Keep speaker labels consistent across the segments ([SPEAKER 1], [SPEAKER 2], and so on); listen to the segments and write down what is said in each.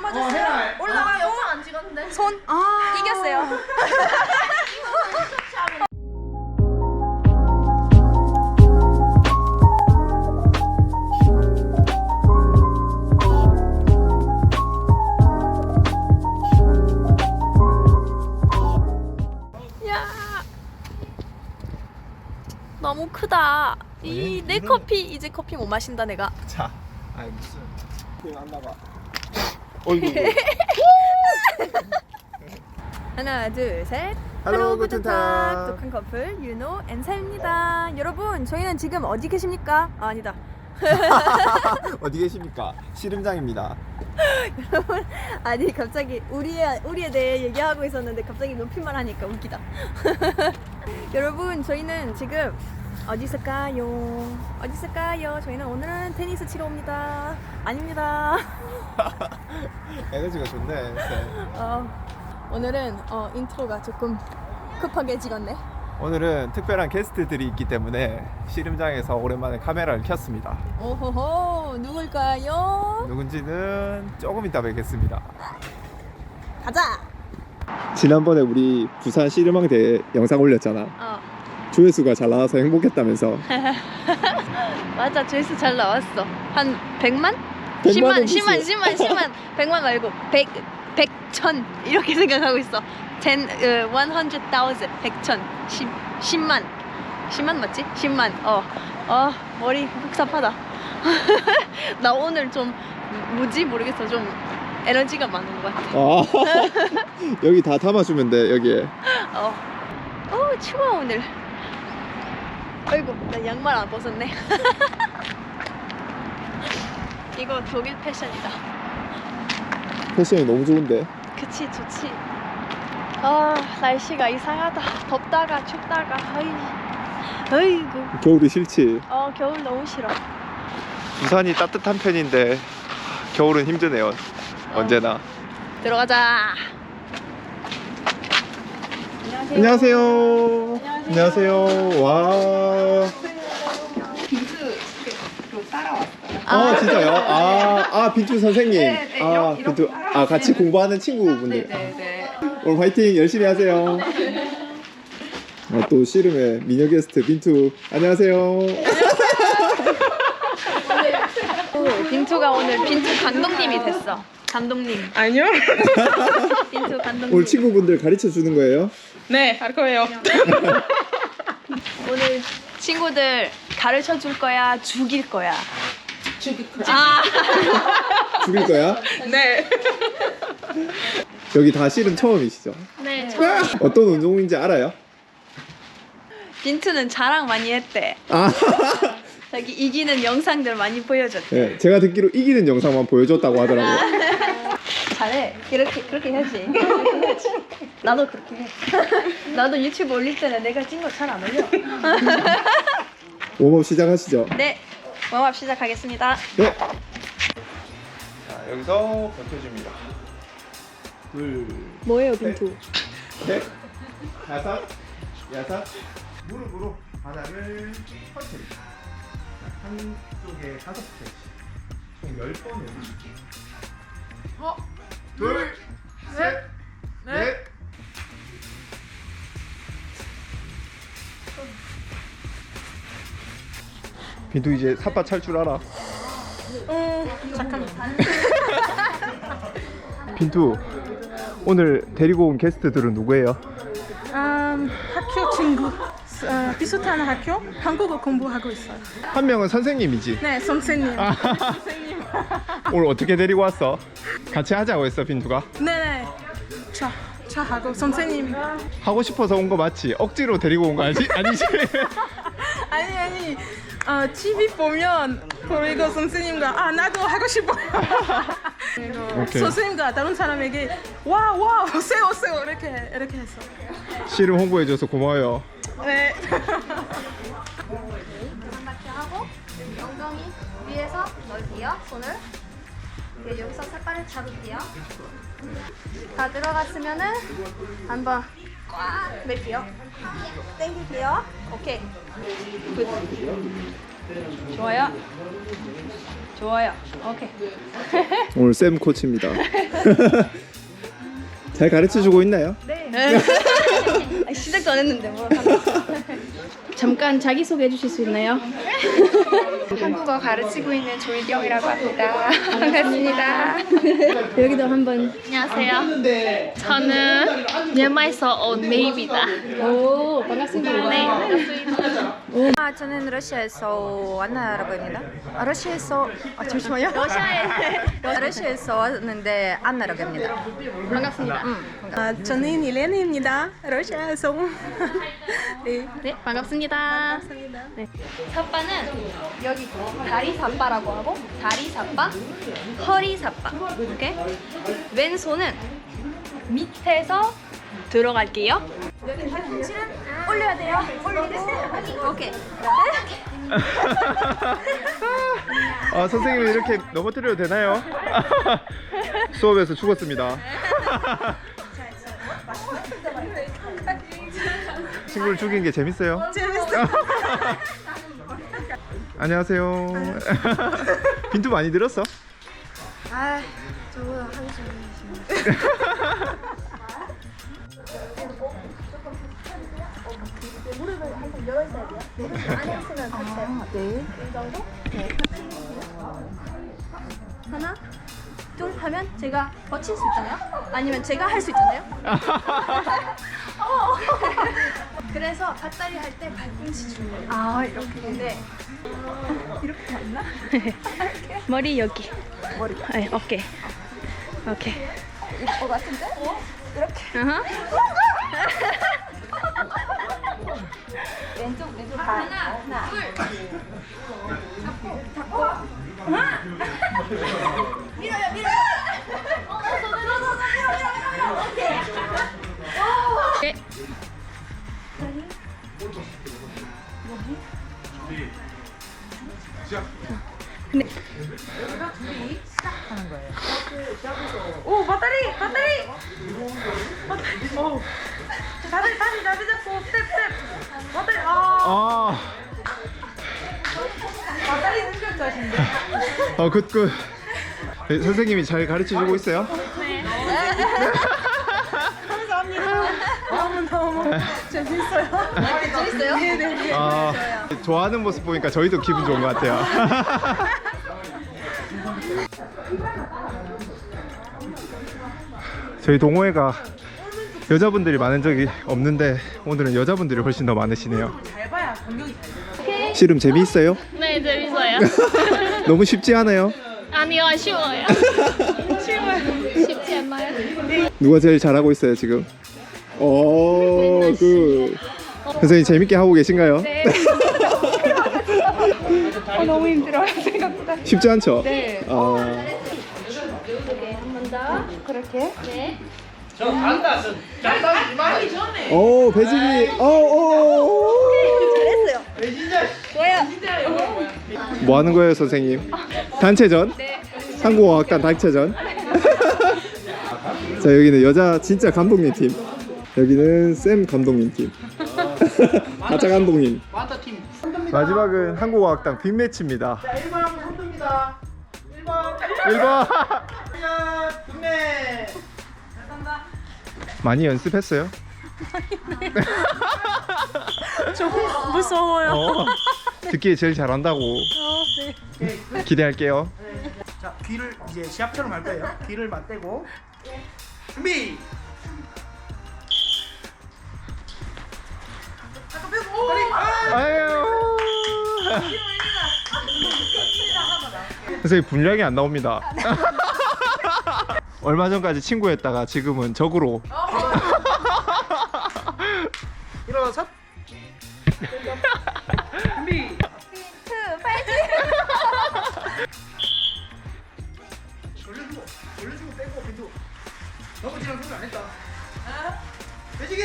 [SPEAKER 1] 넘어졌어요. 올라가고
[SPEAKER 2] 영상 안 찍었는데.
[SPEAKER 1] 손 이겼어요. 야, 너무 크다. 이 내 커피 이제 커피 못 마신다 내가.
[SPEAKER 3] 자, 아니 무슨 그냥 안 나가. 어이구.
[SPEAKER 1] 하나 둘 셋.
[SPEAKER 3] 할로, 구텐탁.
[SPEAKER 1] 독한 커플 윤호 앤사입니다. 여러분 저희는 지금 어디 계십니까? 아, 아니다.
[SPEAKER 3] 어디 계십니까? 씨름장입니다.
[SPEAKER 1] 여러분 아니 갑자기 우리에 대해 얘기하고 있었는데 갑자기 높임말 하니까 웃기다. 여러분 저희는 지금 어디 있을까요? 어디 있을까요? 저희는 오늘은 테니스 치러 옵니다. 아닙니다.
[SPEAKER 3] 에너지가 좋네. 네.
[SPEAKER 1] 오늘은 인트로가 조금 급하게 찍었네.
[SPEAKER 3] 오늘은 특별한 게스트들이 있기 때문에 씨름장에서 오랜만에 카메라를 켰습니다.
[SPEAKER 1] 오호호 누굴까요?
[SPEAKER 3] 누군지는 조금 이따 뵙겠습니다.
[SPEAKER 1] 가자.
[SPEAKER 3] 지난번에 우리 부산 씨름왕대 영상 올렸잖아. 조회수가 잘 나와서 행복했다면서.
[SPEAKER 1] 맞아 조회수 잘 나왔어. 한 100만?
[SPEAKER 3] 100만
[SPEAKER 1] 10만 100만 말고 100, 1000 이렇게 생각하고 있어. 100,000 100,000 10만 맞지? 10만 머리 복잡하다. 나 오늘 좀 뭐지 모르겠어. 좀 에너지가 많은 것 같아.
[SPEAKER 3] 여기 다 담아주면 돼 여기에.
[SPEAKER 1] 추워 오늘. 아이고 나 양말 안 벗었네. 이거 독일 패션이다.
[SPEAKER 3] 패션이 너무 좋은데.
[SPEAKER 1] 그치 좋지. 날씨가 이상하다. 덥다가 춥다가 어이구.
[SPEAKER 3] 겨울이 싫지.
[SPEAKER 1] 겨울 너무 싫어.
[SPEAKER 3] 부산이 따뜻한 편인데 겨울은 힘드네요. 언제나.
[SPEAKER 1] 들어가자.
[SPEAKER 3] 안녕하세요. 안녕하세요. 와. 진짜요? 빈투 선생님. 빈투. 같이 공부하는 친구분들. 오늘 화이팅 열심히 하세요. 또 씨름의 미녀 게스트 빈투. 안녕하세요.
[SPEAKER 1] 빈투가 오늘 빈투 감독님이 됐어. 감독님.
[SPEAKER 2] 아니요.
[SPEAKER 1] 빈투 감독님.
[SPEAKER 3] 오늘 친구분들 가르쳐 주는 거예요?
[SPEAKER 2] 네, 할 거예요.
[SPEAKER 1] 오늘 친구들 가르쳐 줄 거야, 죽일 거야?
[SPEAKER 2] 죽일 거야.
[SPEAKER 3] 죽일 거야?
[SPEAKER 2] 네.
[SPEAKER 3] 여기 다 씨름 처음이시죠?
[SPEAKER 1] 네.
[SPEAKER 3] 어떤 운동인지 알아요?
[SPEAKER 1] 빈투는 자랑 많이 했대. 자기 이기는 영상들 많이 보여줬대.
[SPEAKER 3] 네, 제가 듣기로 이기는 영상만 보여줬다고 하더라고요.
[SPEAKER 1] 잘해. 그렇게 해야지. 나도 그렇게 해. 나도 유튜브 올릴 때는 내가 찐 거 잘 안 올려.
[SPEAKER 3] 웜업 시작하시죠.
[SPEAKER 1] 네. 웜업 시작하겠습니다.
[SPEAKER 3] 네. 자, 여기서 버텨줍니다. 둘,
[SPEAKER 1] 뭐예요, 빈투?
[SPEAKER 3] 셋, 다섯, 여섯. 무릎으로 바닥을 터뜨립니다. 한쪽에 5개씩 총 10번을. 둘, 셋, 넷. 빈투 이제 삿바 찰 줄 알아?
[SPEAKER 2] 잠깐만.
[SPEAKER 3] 빈투 오늘 데리고 온 게스트들은 누구예요?
[SPEAKER 2] 학교 친구. 비슷한 학교 한국어 공부하고 있어요.
[SPEAKER 3] 한 명은 선생님이지?
[SPEAKER 2] 네, 선생님.
[SPEAKER 3] 선생님. 오늘 어떻게 데리고 왔어? 같이 하자고 했어 빈투가?
[SPEAKER 2] 네. 저 하고 선생님.
[SPEAKER 3] 하고 싶어서 온 거 맞지? 억지로 데리고 온 거 아니지?
[SPEAKER 2] 아니. TV 보면 그리고 선생님과 나도 하고 싶어요.
[SPEAKER 3] 오케이.
[SPEAKER 2] 선생님과 다른 사람에게 와 오세요 이렇게 했어.
[SPEAKER 3] 씨름 홍보해줘서 고마워요.
[SPEAKER 2] 네.
[SPEAKER 1] 바퀴 하고 엉덩이 위에서 넓이요. 손을. 그리고 여기서 삿발을 잡을게요. 다 들어갔으면은 한번 꽉 밀게요. 당길게요. 오케이. 굿. 좋아요. 오케이.
[SPEAKER 3] 오늘 쌤 코치입니다. 잘 가르쳐주고 있나요?
[SPEAKER 1] 네. 시작도 안 했는데 뭐. 잠깐 자기 소개해 주실 수 있나요?
[SPEAKER 4] 한국어 가르치고 있는 조희경이라고 합니다. 반갑습니다.
[SPEAKER 1] 여기도 한번.
[SPEAKER 4] 안녕하세요. 저는 미얀마에서 온 메이입니다.
[SPEAKER 1] 오, 반갑습니다.
[SPEAKER 4] 네, 반갑습니다.
[SPEAKER 5] 저는 러시아에서 안나라고 합니다. 러시아에서 잠시만요. 러시아에서 왔는데 안나라고 합니다.
[SPEAKER 1] 반갑습니다.
[SPEAKER 2] 저는 일레나입니다. 러시아에서. 네.
[SPEAKER 1] 네, 반갑습니다. 네. 삿바는 여기 다리 삿바라고 하고 다리 삿바, 허리 삿바. 이렇게 왼손은 밑에서 들어갈게요. 여기 팔꿈치는 올려야 돼요. 올리고 오케이.
[SPEAKER 3] 아, 선생님이 이렇게 넘어뜨려도 되나요? 수업에서 죽었습니다. 친구를 죽인 게 재밌어요? 재밌어요. 안녕하세요. 빈투 많이 들었어?
[SPEAKER 5] 아, 저보다 한숨.
[SPEAKER 1] 하나, 둘 하면 제가 버칠 수 있잖아요. 아니면 제가 할 수 있잖아요. 그래서 밭다리 할 때 발꿈치 주는 거예요. 아 이렇게. 네. 이렇게 맞나? 머리 여기. 머리. 네, 어깨. 오케이. 이거 같은데? 이렇게. 왼쪽 하나, 둘. 잡고. 밀어요. 오케이. 근데
[SPEAKER 2] 오, 배터리. 오. 다리 잡고 스텝. 배터리.
[SPEAKER 3] 아,
[SPEAKER 2] 배터리 능력자신데.
[SPEAKER 3] 굿. 네, 선생님이 잘 가르쳐주고 있어요?
[SPEAKER 2] 너무 재밌어요.
[SPEAKER 1] 재밌어요?
[SPEAKER 2] 네네.
[SPEAKER 3] 아, 좋아하는 모습 보니까 저희도 기분 좋은 것 같아요. 저희 동호회가 여자분들이 많은 적이 없는데 오늘은 여자분들이 훨씬 더 많으시네요.
[SPEAKER 2] 잘 봐야 공격이 잘.
[SPEAKER 3] 씨름 재미있어요?
[SPEAKER 4] 네, 재밌어요.
[SPEAKER 3] 너무 쉽지 않아요?
[SPEAKER 4] 아니요, 쉬워요. 쉽지 않나요?
[SPEAKER 3] 누가 제일 잘하고 있어요 지금? 오, 굿. 선생님 재밌게 하고 계신가요?
[SPEAKER 4] 네.
[SPEAKER 2] 너무 힘들어요 생각보다.
[SPEAKER 3] 쉽지 않죠?
[SPEAKER 2] 네.
[SPEAKER 3] 아,
[SPEAKER 4] 네.
[SPEAKER 3] 오, 배지기. 오. 뭐 하는 거예요, 선생님? 단체전? 한국어학단 단체전? 자, 여기는 여자 진짜 감독님 팀. 여기는 쌤 감독님 팀. 가짜 감독님. 마지막은 한국어학당 빅매치입니다.
[SPEAKER 6] 1번 선두입니다. 1번.
[SPEAKER 3] 1번.
[SPEAKER 6] 국내.
[SPEAKER 3] 많이 연습했어요?
[SPEAKER 2] 무서워요.
[SPEAKER 3] 듣기에 제일 잘한다고. 기대할게요.
[SPEAKER 6] 자, 귀를 이제 시합처럼 할 거예요. 귀를 맞대고. 준비.
[SPEAKER 3] 아유. 선생님 분량이 안 나옵니다. 얼마 전까지 친구였다가 지금은 적으로.
[SPEAKER 6] 일어서. 준비. 돌려주고 빼고 빈도. 넘어지는 소리 안 했다. 배지기.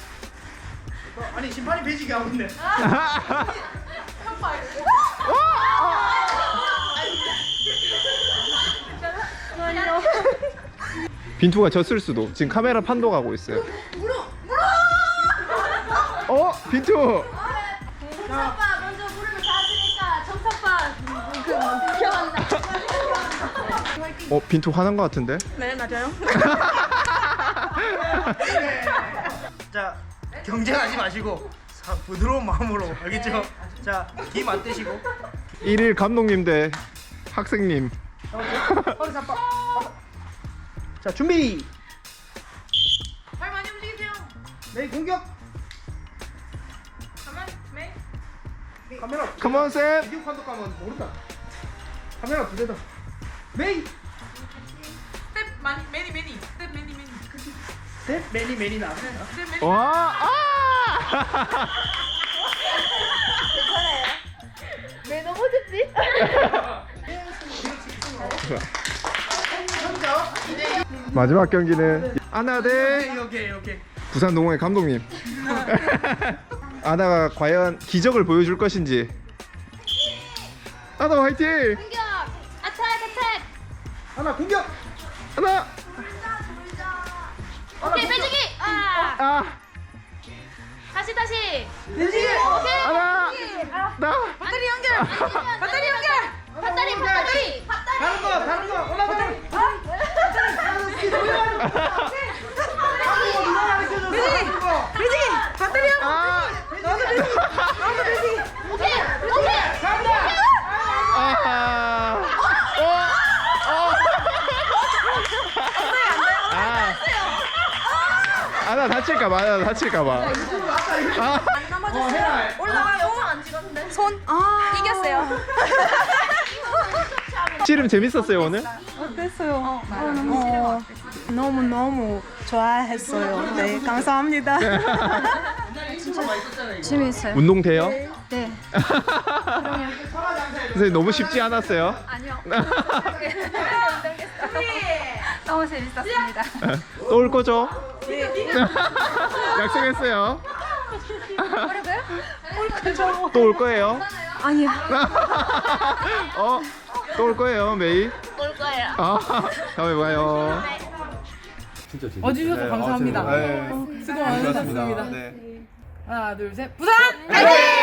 [SPEAKER 6] 아니 심판이 배지기 하고 있네.
[SPEAKER 3] 빈투가 졌을 수도. 지금 카메라 판독하고 있어요. 빈투.
[SPEAKER 1] 정사빠 먼저 부르면 다 하시니까 정사빠 그 기억한다. 화이팅.
[SPEAKER 3] 빈투 화난 것 같은데?
[SPEAKER 2] 네, 맞아요.
[SPEAKER 6] 자, 경쟁하지 마시고 부드러운 마음으로 알겠죠? 자, 김 안 떼시고.
[SPEAKER 3] 1일 감독님 대 학생님.
[SPEAKER 6] 자, 준비.
[SPEAKER 2] 발 많이 움직이세요.
[SPEAKER 6] 메이 공격.
[SPEAKER 2] 가만, 메이.
[SPEAKER 6] 카메라.
[SPEAKER 3] 컴온 쌤.
[SPEAKER 6] 비디오 판독 가면 모른다. 카메라 두 대다. 메이.
[SPEAKER 2] 스텝 많이, 매니. 스텝 매니.
[SPEAKER 6] 셋 매니 나.
[SPEAKER 2] 스텝 매니.
[SPEAKER 3] 와. 아!
[SPEAKER 1] 왜 넘어졌지?
[SPEAKER 3] 마지막 경기는 아나 대
[SPEAKER 6] 오케이.
[SPEAKER 3] 부산 동호회 감독님. 아나가 과연 기적을 보여줄 것인지. 아나 화이팅!
[SPEAKER 4] 공격! 아택! 아택!
[SPEAKER 6] 하나 공격.
[SPEAKER 3] 아나!
[SPEAKER 4] 오케이, 빼주기! 아!
[SPEAKER 3] 아!
[SPEAKER 4] 다시!
[SPEAKER 6] 매직이.
[SPEAKER 3] 아나! 나!
[SPEAKER 2] 배터리 연결.
[SPEAKER 4] 밧다리!
[SPEAKER 6] 다른 거. 올라가.
[SPEAKER 3] 아!
[SPEAKER 4] 오케이!
[SPEAKER 3] 아! 아! 아나 다칠까봐. 아!
[SPEAKER 1] 이겼어요.
[SPEAKER 3] 씨름 재밌었어요 오늘?
[SPEAKER 2] 어땠어요? 너무 좋아했어요. 네, 감사합니다.
[SPEAKER 5] 재밌어요.
[SPEAKER 3] 운동 돼요?
[SPEAKER 5] 네.
[SPEAKER 3] 선생님 너무 쉽지 않았어요?
[SPEAKER 5] 아니요. 너무 재밌었습니다.
[SPEAKER 3] 또 올 거죠? 약속했어요. 또 올 거예요?
[SPEAKER 5] 아니요.
[SPEAKER 3] 또 올 거예요, 메이.
[SPEAKER 4] 올 거예요.
[SPEAKER 3] 다음에 봐요.
[SPEAKER 2] 와주셔서 감사합니다.
[SPEAKER 3] 네.
[SPEAKER 2] 수고 많으셨습니다.
[SPEAKER 3] 네.
[SPEAKER 2] 하나, 둘, 셋. 부산! 화이팅!